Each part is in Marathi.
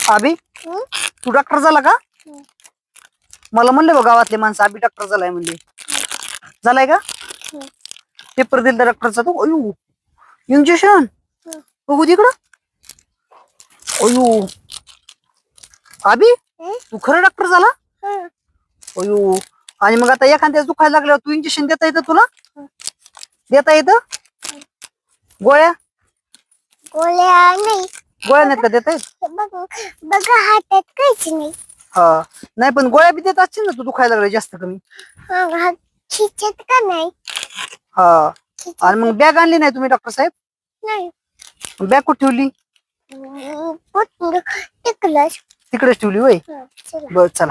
अभि हं? तू डॉक्टर झाला का? हं. मला म्हणले बघ गावातले माणसं अभि डॉक्टर झालाय म्हणले. झालाय का? हं. पेपर दिला डॉक्टरचा तू? अयो इंजेक्शन हं. बघू तिकडं. अयो अभि हं? तू खरं डॉक्टर झाला? हं. अयो आणि मग आता एखाद्या दुखायला लागल्यावर तू इंजेक्शन देता येतं तुला? हं. देता येतं? गोळ्या गोळ्या नाही. गोळ्या नाहीत का देता येत? बघा हातात काहीच नाही. हा नाही पण गोळ्या बी देत असतील ना तू दुखायला लागलं जास्त कमी. हा खिचत का नाही? हा आणि मग बॅग आणली नाही तुम्ही डॉक्टर साहेब? नाही. बॅग कुठे ठेवली? टिकलंच. तिकडेच ठेवली होय. चला. बर चला.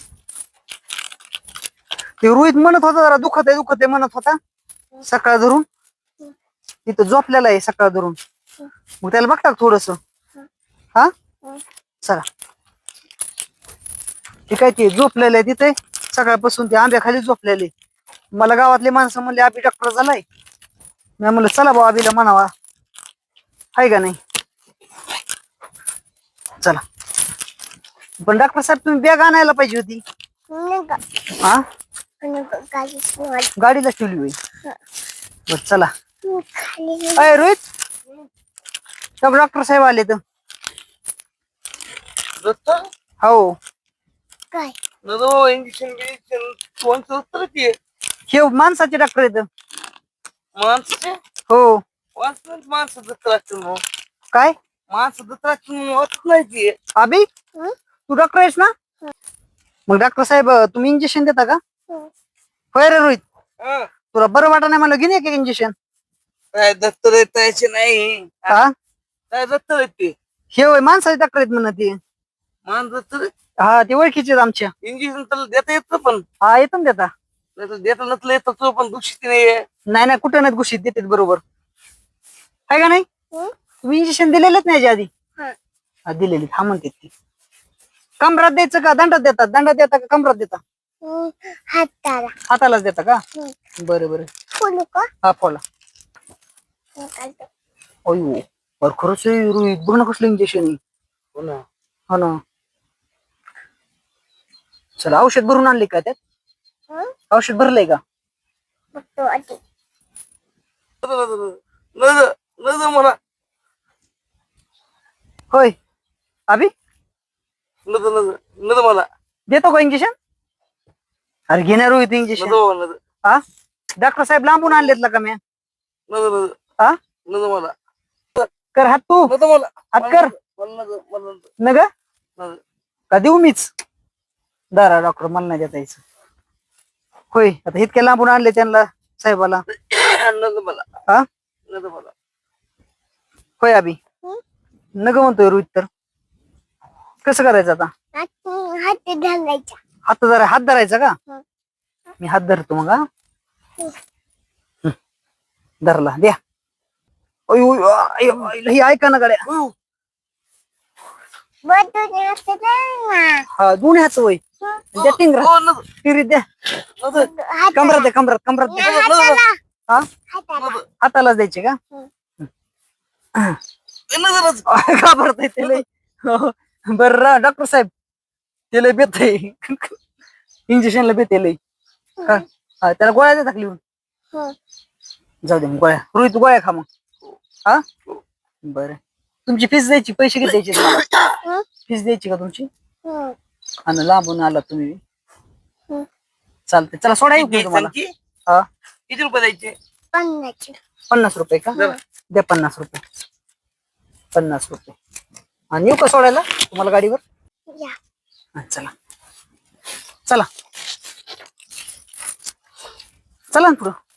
ते रोहित म्हणत होता जरा दुखत आहे म्हणत होता सकाळ धरून. तिथं झोपलेला आहे सकाळ धरून. मग त्याला बघता थोडस. हा चला ते काय ते झोपलेलं आहे तिथे सकाळपासून ते आंब्याखाली झोपलेले. मला गावातले माणसं म्हणले अभि डॉक्टर झालाय. मी म्हणलं चला भाऊ अभिला म्हणावा आहे का नाही. चला पण डॉक्टर साहेब तुम्ही बॅग आणायला पाहिजे होती. हा गाडीला ठेवली होई. बर चला. अय रोहित सब डॉक्टर साहेब आले तर. हो काय इंजेक्शन हे माणसाचे डॉक्टर येत. माणसाचे हो माणसं दत्राच काय माणसं दत्राच वाटत नाही ती. अभि तू डॉक्टर आहेस ना? मग डॉक्टर साहेब तुम्ही इंजेक्शन देता का? होय रे रोहित तुला बरं वाटत नाही मला घेणे का इंजेक्शन? काय दत्तर येतायचे नाही. हा काय दत्तर येते हे होय माणसाचे डॉक्टर आहेत म्हणा ते. मान दत्तर हा ते ओळखीचे आहेत आमच्या. इंजेक्शन तर देता येत पण हा येतो ना देता. नाही तर देता नसलं येत तो पण दुषित नाहीये. नाही कुठं नाही घुशीत देतात बरोबर आहे का नाही. तुम्ही इंजेक्शन दिलेलेच नाही याच्या आधी? हा दिलेली हा म्हणते ती. कमरात द्यायचं का दंडात देतात? दंडात देता का कमरात देता? हाताला. हातालाच देता का? बरं बरं फुलू का? हा फोला. अयो बर खरंच रोहित बघ ना कसलं इंजेक्शन. हो ना हो ना. चला औषध भरून आणले का त्यात? औषध भरलंय का? मला होय अभि मला देतो का इंजेक्शन? अरे घेणार रोहित इंजेक्शन. हा डॉक्टर साहेब लांबून आणलेत का मी? हा मला कर हात तू मला हात कर न ग का देऊ मीच? दारा डॉक्टर मला नाही देता यायचं. होय आता इतक्या लांबून आणले त्यांना साहेबाला. मला हा मला होय अभि नग म्हणतोय रोहित तर कसं करायचं आता? हात घालायचा. हात धरायचा का? मी हात धरतो मग. हा धरला द्या. ही ऐका ना गाड्या. हा दोन्ही हात वय द्या टिंगरी द्या. कमरात द्या कमरात द्या. हा हातालाच द्यायचे का? घाबरत ते लय. बर डॉक्टर साहेब ते लय बेत इंजेक्शनला बेत लय. त्याला गोळ्या देतात लिहून? जाऊ दे मग गोळ्या. रोहित गोळ्या खा मग. हा बर तुमची फीस द्यायची पैसे किती द्यायचे तुम्हाला? फीस द्यायची का तुमची? आणि लांबून आला तुम्ही. चालते चला सोडा येऊ की तुम्हाला. हा किती रुपये द्यायचे? 50 रुपये का? द्या 50 रुपये. 50 रुपये आणि येऊ का सोडायला तुम्हाला गाडीवर? चला चला चला ना पुढं.